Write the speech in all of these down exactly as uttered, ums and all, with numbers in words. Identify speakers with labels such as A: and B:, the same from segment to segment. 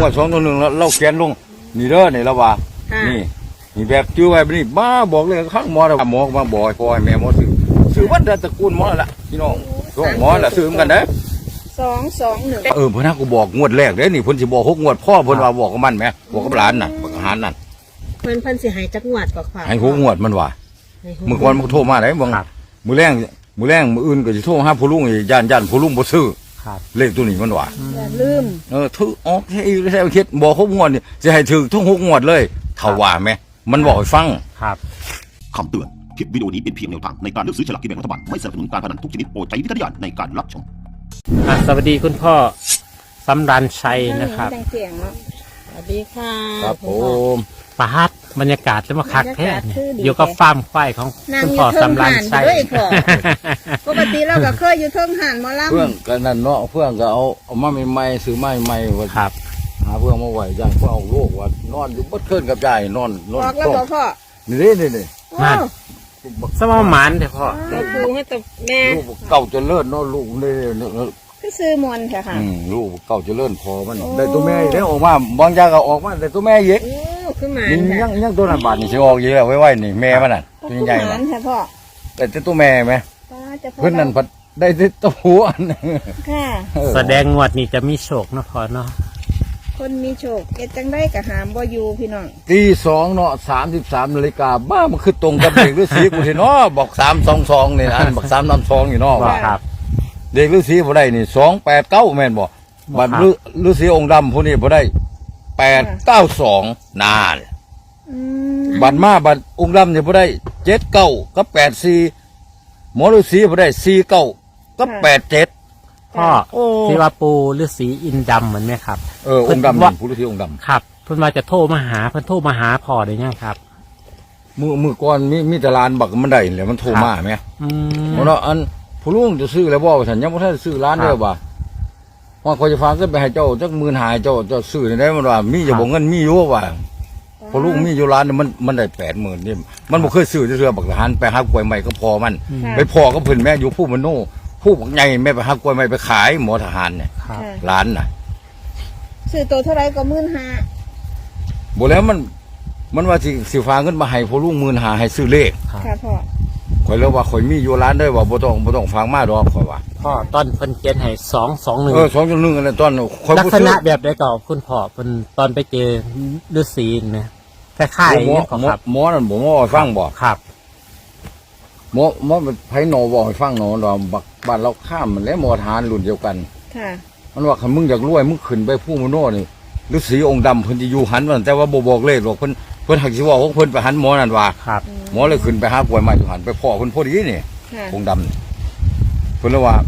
A: วดสองตัวหนึ่งแล้วเราเขียนลงนี่เด้อนี่ละว่านี่นี่แบบจื้อไว้นี่บ้าบอกเลยข้างหมอเราหมอมาบอกพ่อแม่หมอซื้อซื้อวัดตระกูลหมอละพี่น้องช่วงหมอละซื้อเหมือนกันเด้อ
B: สองสองหนึ่ง
A: เออเพิ่นน่ะกูบอกงวดแรกเด้อนี่เพิ่นสิบอกหกงวดพ่อเพิ่นว่าบอกกับมันแหมบอกกับหลานน่ะบอกกับหลานนั่น
B: เพิ่นเพิ่นสิให้จักงวดกว่า
A: ให้หกงวดมันว่าเมื่อก่อนมันโทรมาได้บ่มื้อแรงมื้อแรงมื้ออื่นก็สิโทรหาผู้ลุงอีย่านย่านผู้ลุงบ่ซื้อเลขตัวนี้มันว่า
B: อย่าลืม
A: เออถือออกให้ใช่คิดบอกหกงวดนี่สิให้ถือทั้งหกงวดเลยเท่าว่าแม่มันบอกให้ฟัง
C: ครับคำเตือนคลิปวิดีโอนี้เป็นเพียงแนวทางในการเลือกซื้อฉลากกินแบ่งรัฐบาลไม่สนับสนุนการพนันทุกชนิดโปรดใช้วิจารณญาณในการรับชมสวัสดีคุณพ่อสำรันชัยนะครับ
B: สวัสดีค่ะ
A: ครับผม
C: ปาร์ตบรรยากาศจะมาคักแท้อยู่กับฟาร์มควายของคุณพ่อสำรันชัย
B: ปกติเราก็เคยอยู่เทิงหันมาล่ำ
A: เพื่อนกันนั่นเนาะเพื่อนก็เอาเอามาใหม่ๆซื้อใหม่ๆว่า
C: ครับ
A: หาเพื่อนมาไหวย่างเพื่อเอาลูกว่านอนอยู่บัดขึ้นกับยายนอนนอน
B: บอกแล้วพ่อ
A: นี่นี่นี่นี่
C: นั่นสมองหมันเถอะพ่อ
B: เราดูให้แต่แม่
A: ลูกเก่าจะเลิศเนาะลูกนี่
B: ก็ซื้อมวนค่ะค่ะ
A: ลูกเก่าจะเลิศพอมันได้ตัวแม่แล้วออกมาบางอย่างก็ออกมาได้ตัวแม่เยอะ
B: ขึ้นมา
A: ยังยังตัวนั้นบาดนี่สิออกเยอะไว้ๆนี่แม่มันน่ะตัวใหญ่ๆน่ะแต่ตัวแม่ไหมเพิ่นนั่นพัดได้ตัวหัว
B: ค่ะ
C: แสดงงวดนี้จะมีโชคเนาะพ่อเนาะ
B: คนมีโชคเอ็ดจังได้กับหามบ่อยู่พี่น้อง
A: ตีสองเนาะสามสิบสามนาฬิกาบ้ามันคือตรงกับเด็กฤาษีกูสิเนาะบอกสามสองสองนี่อันบอกสามน้ำสองอยู่เนาะว่าเด็กฤาษีบ่ได้นี่สองแปดเก้าแม่นบ่บัดฤาษีองค์ดำผู้นี้บ่ได้แปดเก้าสองนานบัดมาบัดองค์ดำเนี่ยบ่ได้เจ็ดเก้ากับแปดสี่หมอฤาษีบ่ได้สี่เก้ากับแปดเจ็ด
C: พ่อที่ว่าปูฤาษีอินดำเหมือนไหมครับ
A: เออองค์ดำผู้ฤาษีองค์ดำ
C: ครับเพิ่นว่าจะโทรมาหาเพิ่นโทรมาหาพ่อได้ยังครับ
A: มือมือก่อนมีมีแต่ร้านบักมันได้แล้วมันโทรมาไหม
C: อืม
A: เนาะอันผู้ลุงจะซื้อแล้วบ่ฉันยังบ่ทันซื้อร้านเด้อบ่ว่าคอยจะฝากเงินไปให้เจ้าจักหมื่นหายเจ้าเจ้าซื้อได้มันว่ามีจะบ่เงินมีอยู่ว่าผู้ลุงมีอยู่ร้านมันมันได้แปดหมื่นนี่มันบ่เคยซื้อจะเรือบักทหารไปหากล้วยใหม่ก็พอมันไปพอก็เพิ่นแม่อยู่ผู้มโนผู้บักใหญ่แม่ไปหากล้วยใหม่ไปขายหมอทหารเนี่ยร้านน่ะ
B: ซื้อตัวเท่าไรก็หมื่นห้า
A: บ่แล้วมันมันว่าสิสิฝากเงินมาให้ผู้ลุงหมื่นห้าให้ซื้อเลข
B: ค่ะพ่อ
A: ข่อยแล้วว่าข่อยมีอยู่ร้านได้ว่าบ่ต้องบ่ต้องฟังมาดอกข่อยว่า
C: พ่อตอนเพิ่นเขียนให้สองสองหนึ่ง
A: เออสองสองหนึ่งอะไรตอน
C: ลักษณะแบบได้ก่อคุณพ่อเพิ่นตอนไปเจอฤาษีนะคล้ายๆอย่างนี้ครับ
A: หมอนั่นบ่หมอฟังบ่
C: ครับ
A: หมอหมอไผหนอบ่ให้ฟังหนอดอกบักบ้านเราข้ามมันแล้วหมอทหารรุ่นเดียวกัน
B: ค่ะ
A: มันว่าคันมึงอยากรวยมึงขึ้นไปผู้มโนนี่ฤาษีองค์ดำเพิ่นสิอยู่หันมันแต่ว่าบ่บอกเลขหรอกเพิ่นเพิ่นหักสิว่าของเพิ่นไปหันหมอนั่นว่า
C: ครับ
A: หมอเลยขึ้นไปหากล้วยใหม่อยู่หันไปพ่อเพิ่นพอดีนี่องค์ดำเพิ่นเลยว่า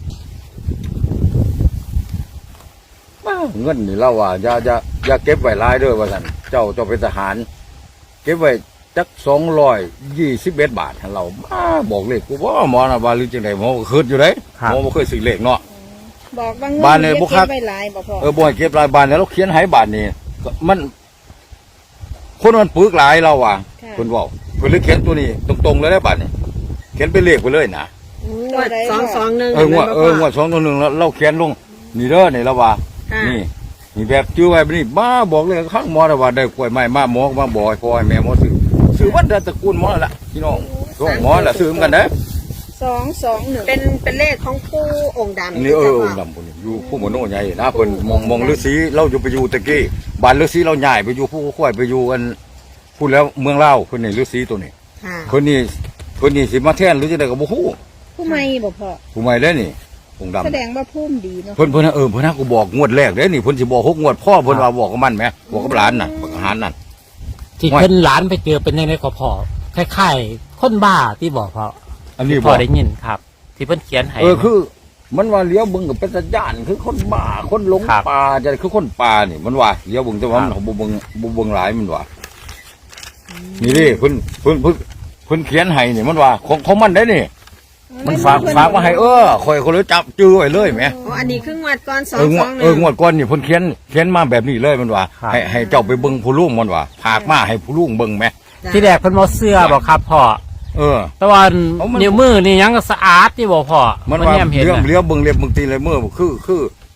A: เงินนี่เราว่าอย่าอย่าอย่าเก็บไว้หลายเด้อว่าซั่นเจ้าเจ้าเป็นทหารเก็บไว้จักสองร้อยยี่สิบเอ็ดบาทให้เราบ้าบอกเลขกูว่าหมอน่ะว่าหรือจังได๋หมอก็คิดอยู่เด้หมอบ่เคยซื้อเลขเนาะ
B: บอกบางบ้านเนี่ยบ่คัก
A: เออบ่ให้เก็บหลายบาทแล้วเราเขียนให้บาทนี่มันคนมันปึกหลายเราว่ะคนบอกเพิ่นเลยเขียนตัวนี้ตรงๆเลยได้บาทนี่เขียนเป็นเลขไปเลยนะ
B: สองสองหนึ่ง
A: เอองวดเอองวดสองตัวหนึ่งแล้วเราเขียนลงนี่เด้อนี่ละว่านี่นี่แบบจื้อไว้นี่บ้าบอกเลยข้างหมอว่าได้กล้วยใหม่มาหมอมาบอกให้พ่อให้แม่หมอซื้อซื้อวัดตระกูลหมอละพี่น้องช่วงหมอละซื้อเหมือนกันเด้อ
B: สองสองหนึ่งเป็นเป็นเลขของผู้องค์ดำ
A: นี่เออองค์ดำคนนี้อยู่ผู้มโนใหญ่นะเพิ่นมองมองฤาษีเราอยู่ไปอยู่ตะกี้บ้านฤาษีเราใหญ่ไปอยู่ผู้ค่อยไปอยู่กันพูดแล้วเมืองเล่าคนนี้ฤาษีตัวนี้คนนี้คนนี้สิมาแทนหรือจะได้กับบุฮู้
B: ผู้ใหม่บ่พ่อ
A: ผู้ใหม่ได้นี่องค์ดำ
B: แสดงว่าพุ่มดีเนาะ
A: เพิ่นเพิ่นเออเพิ่นน่ะกูบอกงวดแรกเด้นี่เพิ่นสิบอกหกงวดพ่อเพิ่นว่าบอกกับมันแหมบอกกับหลานน่ะบอกกับหลานนั่น
C: ที่เพิ่นหลานไปเจอเป็นยังไงก็พ่อคล้ายๆคนบ้าที่บอกพ่อ
A: อันนี้
C: พ่อได้ยินครับที่เพิ่นเขียนให้
A: เออคือมันว่าเลี้ยวบึงกับเป็นสัญญาณคือคนบ้าคนหลงป่าจะคือคนป่านี่มันว่าเลี้ยวบึงแต่ว่ามันบ่บึงบ่บึงหลายมันว่านี่ดิเพิ่นเพิ่นเพิ่นเพิ่นเขียนให้นี่มันว่าของของมันได้นี่มันฝากฝากมาให้เออคอยคนเลยจับจื้อไว้เลยแหม
B: อ๋ออันนี้คืองวดก่อนสองสอง
A: เอองวดก่อนนี่เพิ่นเขียนเขียนมาแบบนี้เลยมันว่าให้ให้เจ้าไปเบิ่งผู้ลุงมันว่าฝากมาให้ผู้ลุงเบิ่งแหม
C: ที่แรกเพิ่นบ่เชื่อบ่ครับพ่อ
A: เออ
C: แต่ว่านิ้วมือนี่ยังสะอาดที่บ่พ่อ
A: มันว่าเลี้ยวเลี้ยวเบิ่งเล็บเบิ่งตีเลยมือคือคือ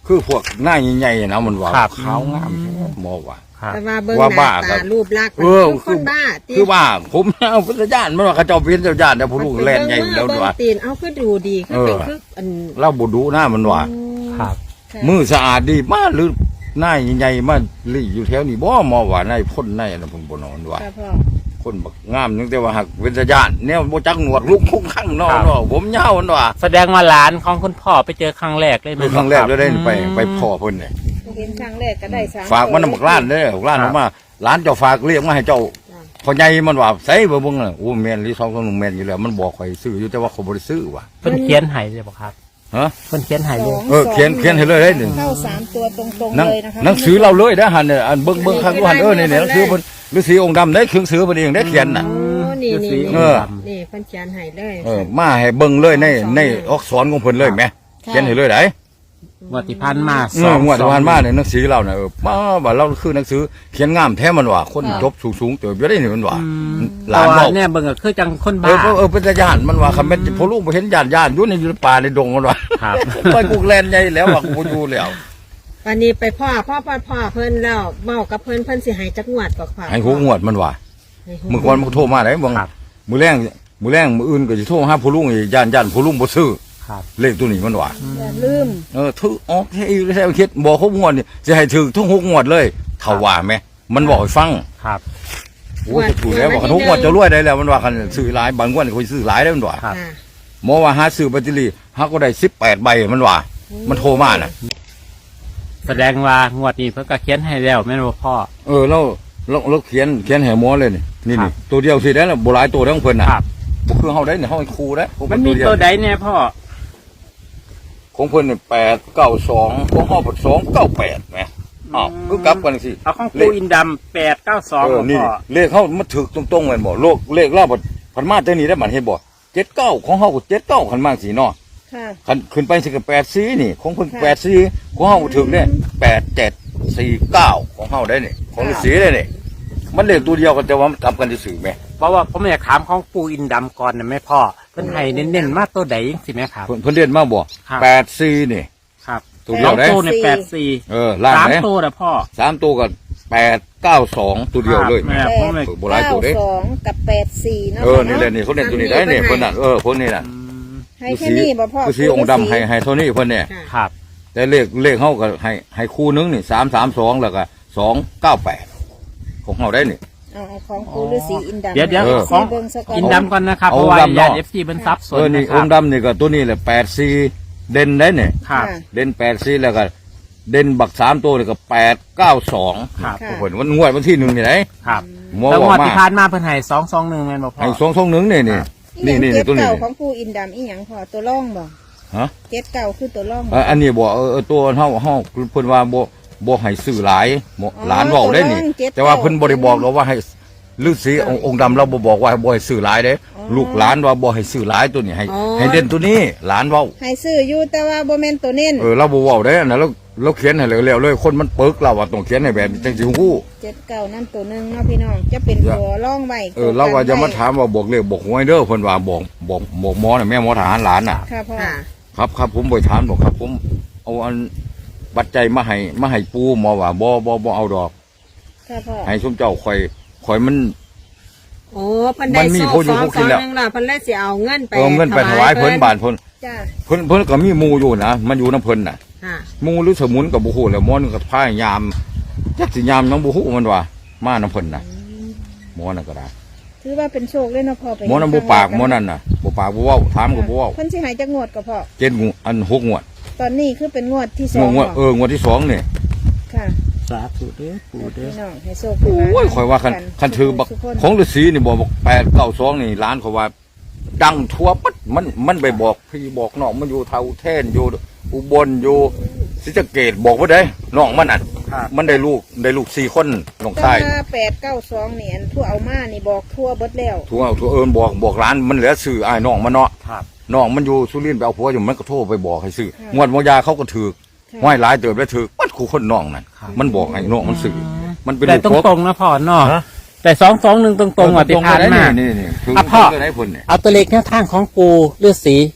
A: คือพวกหน้าใหญ่ๆนะมันว่า
C: ครับ
A: ขาวงามแท้หมอว่า
C: ครับ
B: แต่ว่าเบิ่ง
A: ว่า
B: ห
A: บ้า
B: น้า
A: กั
B: ตาน รูปลักษณ์
A: เออ
B: มันคนบ้าติ
A: คือว่าผมเอาพุทธญาณมันว่าเขาเจ้าเป็นเจ้าญาติแต่ผู้ลูกแล่นใหญ่อยู่แล้ว
B: เบิ่ง
A: ว่า
B: ตีนเอาคือดูดีคือเป็นคืออัน
A: เล่าบ่ดูหน้ามันว่า
C: ครับ
B: ค่ะ
A: มือสะอาดดีมากหรือหน้าใหญ่ๆมาลี่อยู่แถวนี้บ่หมอว่าในพ่นในนะผมบ่นอนว่า
B: ค่ะพ่อ
A: คนบักงามนึงแต่ว่าหักเป็นญาติแนวบ่จักหนวดลุกคุกข้างเนาะ
C: ครับ
A: เนาะผมยาวมันว่า
C: แสดงว่าหลานของคุณพ่อไปเจอครั้งแรกเลยไหม
A: คือครั้งแรกเลยได้ไป
C: อืม
A: ไปพ่อเพิ่นเนี่ย
B: เห็นครั้งแรกก็ได้สาม
A: ฝากมันนำบักล้านเด้อบักล้าน
C: ครั
A: อบ อกมาหลานเจ้าฝากเรียกมาให้เจ้าพ่อใหญ่มันว่าใส่บ่เบิ่งน่ะโอ้แม่นลีสองคนแม่นอยู่แล้วมันบอกข่อยซื้ออยู่แต่ว่าเขาบ่ได้ซื้อว่ะ
C: เพิ่นเขียนให้เลยบ่ครับ
A: ฮะ
C: เพิ่นเขียนให้เลย
A: เออเขียนเขียนให้เลยได้หนึ่ง
B: เข้าสามตัวตรงๆ
A: หนัง
B: เลยนะคะ
A: หนังสือเราเลยนะหันเนี่ยอันเบิ่งเบิ่งข้างดูหันเออนี่เนี่ยหนังสือเพิ่นฤาษีองค์ดำได้เครื่องสือเพิ่นเองได้เขียนน่ะ
B: โอ้นี่นี่
A: เอ
B: นี่
A: อ
B: นี่เพิ่นเขียนให้เลย
A: เออมาให้เบิ่งเลยในในอักษรของเพิ่นเลยแหมเขียนให้เลยได้
C: งวดที่ผ่านมา
A: เอองวดที่ผ่านมาเนี่ยหนังสือเราเนี่ยเออมาว่าเราคือหนังสือเขียนงามแท้มันว่าคนจบสูงๆเติบอยู่ได้นี่มันว่า ห
C: ห
A: ลา
C: ลาน น
A: เว้า
C: เนี่ยเบิ่งก็คือจังคน
A: เอ
C: บ้า
A: อเออเออเป็นญาติมันว่าคำเป็นพอลูกไปเห็นญาติญาติอยู่ในอยู่ในป่าในดงมันว่า
C: ครับ
A: ไปกูแลนใหญ่แล้วว่ากูอยู่แล้ว
B: วันนี้ไปพ่อพ่อพ่อพ่อเพิ่นแล้วเว้ากับเพิ่นเพิ่นสิให้จักงวดกว่าค่ะ
A: ให้หูงวดมันว่า
B: ให้หู
A: เมื่อก่อนมันโทรมาได้บาง
C: ครับ
A: มือแรงมือแรงมืออื่นก็จะโทรหาผู้ลุงอีกญาติญาติผู้ลุงบ่ซื้อ
C: ครับ
A: เลขตัวนี้มันว่า
B: อย่าลืม
A: เออถือออกให้แท้คิดบอกเขางวดนี่จะให้ถือทั้งหกงวดเลยเท่าว่าไหมมันบอกให้ฟัง
C: ครับ
A: โอ้จะถูกแล้วบอกคันทุกงวดจะรวยได้แล้วมันว่าคันซื้อหลายบางงวดคนซื้อหลายได้มันว่า
C: ครับ
B: ค่ะ
A: หมอว่าหาซื้อแบตเตอรี่หาก็ได้สิบแปดใบมันว่า มันโทรมาน่ะ
C: แสดงว่างวดนี้เพิ่นก็เขียนให้แล้วแม่นบ่พ่อ
A: เออเราเราเราเขียนเขียนแห่หมอเลยนี่นี่
C: ครั
A: นี่
C: บ
A: ตัวเดียวสิได้แล้วโบราณตัวเดียวของเพิ่นน่ะ
C: ครับ
A: บ่คือเฮาได้เนี่ยเฮาให้ครูได้ผม
C: มัน
A: เป็
C: มี
A: เดีย
C: ตัวใดเนี่ยพ่อ
A: ของเพิ่นนี่แปดเก้าสองของเฮาเป็นสองเก้าแปดแหมอ้าวคือกลับกันสิ
C: เอาของปูอินดำแปดเก้าสอง
A: เออ
C: ของ
A: นี่
C: พ่อ
A: เลขเฮามันถูกตรงๆแม่นบ่โลกเลขเราบ่พันมาจังนี้ได้บัดเห็นบ่เจ็ดเก้าของเฮาก็เจ็ดเก้าคันมาสิเนาะ
B: ค่ะ
A: คันขึ้นไปสิก็แปดสี่นี่ ของเพิ่น
B: ค่ะ
A: แปดสี่ของเฮาก็ถูกเนี่ยแปดเจ็ดสี่เก้าของเฮาได้นี่ของฤาษีได้นี่มันเลขตัวเดียวกันแต่ว่ามันกลับกันซื่อๆแหม
C: เพราะว่าผมอยากถามของปูอินดำก่อนนะแม่พ่อเพิ่นให้เน้นๆมาตัวใดจังสิแม่ครับ
A: เพิ่นเพิ่นเรียนมาบ่
C: ครับ
A: แปดสี่นี่
C: ครับ
A: ตัวเดียว
C: สอง
A: ได้
C: ตัวในแปดสี่
A: เออล่าง
C: สาม
A: ไหน
C: ตัวนะพ่อ
A: สามตัวก็แปดเก้าสองตัวเดียวเลย
C: ครับแม่ผมเลย
A: โบราณตัวเด้
B: เก้าสองกับแปดสี่เนาะ
A: เออนี่แหละนี่เขาเล่นตัวนี้ได้เนี่ยเพิ่นน่ะเออเพิ่นนี่น่ะ
C: อืม
B: ให้แค่นี้บ่พ่อ
A: คือสีองค์ดำให้ให้เท่านี้เพิ่นเนี่ย
B: ค่ะ
C: ครับ
A: แต่เลขเลขเฮาก็ให้ให้คู่นึงนี่สามสามสองแล้วก็สองเก้าแปดของเฮาได้นี่
B: เอาเอาของปูฤาษีอินดำ
C: เดี๋ยวเดี๋ยว
A: เออ
C: ของ
B: เบิ่งซะก่อน
C: อินดำก่อนนะครับ
A: เอา
C: เพราะว่า
A: ดำเนาะ
C: ญาติเอฟซีเป็นซับส
A: เอน อนี่
C: นะค
A: อ
C: รับ
A: งค์ดำนี่ก็ตัวนี้แหละแปดสี่เด่นได้เนี่ย
C: ครับ
A: เด่นแปดสี่แล้วก็เด่นบักสามตัวนี่ก็แปดเก้าสอง
C: ครับ
A: เพิ่นวันงวดวันที่หนึ่งนี่ไหน
C: ครับ
A: หมอ
C: แล้ว
A: บ
C: ง
A: อก
C: วด
A: มา
C: ที่ผ่านมาเพิ่นให้สองสองหนึ่งแม่นบ่พ่อ
A: ให้สองสองหนึ่งนี่นี่
B: อีห
A: นี่
B: ยัง
A: นี่
B: เก็
A: ตัว
B: บ
A: นี้
B: เก่าของปูอินดำอีหยังพ่อตัวร่องบ่
A: ฮะ
B: เก็บเก่าคือตัวร่อง
A: เอ่ออันนี้บอกเออเออตัวเฮาเฮาเพิ่นว่าบ่บ่ให้ซื้อหลายบ่หลานเว้าได้นี่ แต่ว่าเพิ่นบ่ได้บอกเราว่าให้ฤาษีองค์องค์ดำเราบ่บอกว่าบ่ให้ซื้อหลายเด้ลูกหลานว่าบ่ให้ซื้อหลายตัวนี้ให้ให้เด่นตัวนี้หลานเว้า
B: ให้ซื้ออยู่แต่ว่าบ่แม่นตัวเน้น
A: เออเราบ่เว้าได้อันนั้นเราเราเขียนให้เร็วๆเลยคนมันปึกเราว่าต้องเขียนให้แบบนี้จังสิฮู้
B: เจ็ดเก่านั่นตัวหนึงเนาะพี่น้องจะเป็นตัวร่องไว้
A: เออเราว่าจะมาถามว่าบอกเลขบอกหวยเด้อเพิ่นว่าบอกบอกบอกหมอน่ะแม่หมอทหารหลานน่ะ
B: ค่ะพ่อค่ะ
A: ครับครับผมบ่ถามบอกครับ ผมเอาอันปัจจัยมาให้มาให้ปูหมอว่าบ่บ่บ่เอาดอก
B: ค่ะพ่อ
A: ให้สมเจ้าข่อยข่อยมัน
B: โอ้เพิ่นได้
A: มันมี
B: โซ่
A: ผู้อยู่
B: สอง
A: ผู้
B: ส
A: กิ
B: อน ง
A: แล้ว
B: หนึงล่ะเพิ่นเลยสิเอาเงินไป
A: เอาเงินไปถวายเพิ่นบาทเพิ่น
B: จ้า
A: เพิ่นเพิ่นก็มีหมู่อยู่นะมันอยู่น้ำเพิ่นน่ะ
B: ค่ะ
A: หมู่หรือสมุนกับบ่ฮู้แล้วหมอนึงก็พายยามจักสิยามน้องบ่ฮู้มันว่ามาน้ำเพิ่นน่ะหมอนั่นก็ได้
B: ถือว่าเป็นโชคเลยเนาะพ่อไป
A: หมอนั้นบ่ปากหมอนั่นน่ะบ่ปากบ่เว้าถามก็บ่เว้า
B: เพิ่นสิให้จักงวดก็พ่อ
A: เจ็ดงวดอันหกงวด
B: ตอนนี้คือเป็นงวดที่ส
A: ง
B: อ
A: ว
B: ง
A: ดงวดเอองวดที่สองนี่
B: ค่ะ
C: สาธุเด้อปู่เด้อ
B: พี่น้องให้โชค
A: โอ้ยข่อยว่าคันคันถือบัก
B: ทุกคน
A: ของฤาษีนี่บอกบอกแปดเก้าสองนี่ร้านเขาว่า ดังทั่วปัดมันมันไปบอกพี่บอกน้องมันอยู่เท่าแท่นอยู่อุบลอยู่ศรีสะเกษบอกว่าได้น้องมันอ่ะ
C: ครับ
A: มันได้ลูกได้ลูกสี่คนน้อง
B: แต่
A: ชาย
B: ว่าแปดเก้าสองนี่อันทั่วเอามานี่บอกทั่วเบิดแล้ว
A: ทั่วทั่วเอิญบอกบอกร้านมันเหลือสื่อไอ้ายน้องมันเนาะ
C: ครับ
A: น้องมันอยู่สุรินทร์ไปเอาผัวอยู่มันก็โทรไปบอกให้ซื้อ
B: ค่ะ
A: งวดมอยาเขาก็ถือ
B: ค่ะ
A: ห้อยหลายเติบแล้วถือปัดคู่คนน้องนั่น
C: ครับ
A: มันบอกให้น้องมันสื่อมันเป็น
C: แต่
A: ลูก
C: ตรงๆนะพ่อเนาะ
A: ฮะ
C: แต่สองสองหนึ่งตรงๆอ่ะที่ผ่านมา
A: นี่นี่นี่ถือ
C: อ่ะพ่อ
A: ถืได้ผลเนี่ย
C: เอาตัวเลขแนวทางของปูฤาษี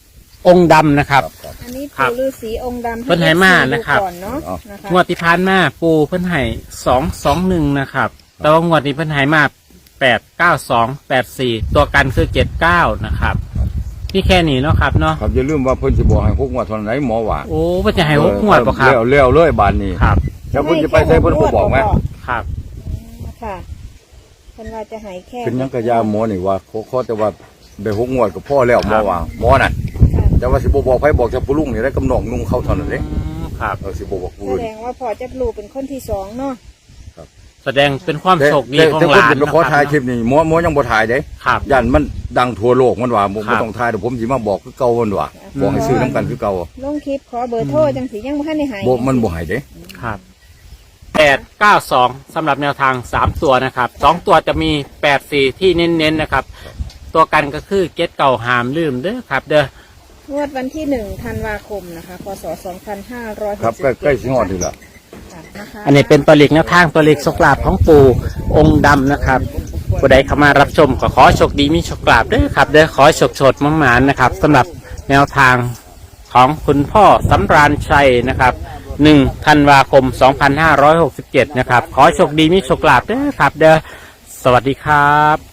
C: องค์ดำนะครับ
B: อันนี้
C: ครับ
B: ปู่ฤาษีองค์ดำ
C: เพิ่นให้มานะครับ
B: ก่อนเนาะนะคะ
C: งวดที่ผ่านมาปูเพิ่นให้สองสองหนึ่งนะครับ แต่ว่างวดนี้เพิ่นให้มาแปดเก้าสองแปดสี่ตัวกันคือเจ็ดเก้านะครับนี่แค่นี้เนาะครับเนาะ
A: ครับอย่าลืมว่าเพิ่นสิบอกให้หกงวดเท่านั้นหมอว่า
C: โอ้เพิ่นจะให้หกงวดป่ะครับ
A: เลี้ยวเลี้ยวเลยบานนี้
C: ครับ
A: แล้วเพิ่นจะไปใส่เพิ่นบ่บอกไหม
C: ครับ
B: ค่ะเพิ่นว่าจะใหายแค่
A: เป็นหยังกะยาหมอนี่ว่าขอขอแต่ว่าได้หกงวดก็พอแล้วหมอว่าหมอน่ะ
B: ค่ะ
A: แต่ว่าสิบ่บอกไผบอกจะผู้ลุงนี่ได้กำนองนุ่งเข้าเท่านั้นเด้
C: อืมครับ
A: เออสิบ่บอกผู้
B: แส
A: อื่น
B: ดงว่าพ่อจะรู้เป็นคนที่สองเนาะ
C: แสดงเป็นความโชคดีของ
A: แต่
C: ห
A: คน
C: ลาน
A: จะไป
C: นะ
A: ขอถ่ายคลิ
C: ค
A: ป
C: รับ
A: นี่หมอหมอยังบ่ถ่ายเด้
C: ครับ
A: ยันมันดังทั่วโลกมันว่าบ่
C: ครับ
A: บ่ต้องถ่ายเดี๋ยวผมสิมาบอกคือเก่ามันว่าบอกให้ซื้อน้ำกันคือเก่า
B: ลงคลิปขอเบอร์โทรจังสียังบ่ทันได้ใหาย
A: บ่มันบ่ให้เด้
C: ครับแปดเก้าสองสำหรับแนวทางสามตัวนะครับสองตัวจะมีแปดสี่ที่เน้นๆนะครับ ตัวกันก็คือเก็ตเก่าหามลืมเด้อครับ เด้อ
B: งวดวันที่หนึ่งธันวาคมนะคะพศสองพันห้าร้อย
A: ครับใกล้ใกล้สิฮอดนี่ล่ะ
B: นะคะ
C: อันนี้เป็นตัวเลขแนวทางตัวเลขโชคลาภของปู่องค์ดำนะครับผู้ใดเข้ามารับชมก็ขอโชคดีมีโชคลาภเด้อครับเด้อขอโชคโชดมั่งหมานนะครับสำหรับแนวทางของคุณพ่อสำราญชัยนะครับหนึ่งธันวาคมสองพันห้าร้อยหกสิบเจ็ดนะครับขอโชคดีมีโชคลาภเด้อครับเด้อสวัสดีครับ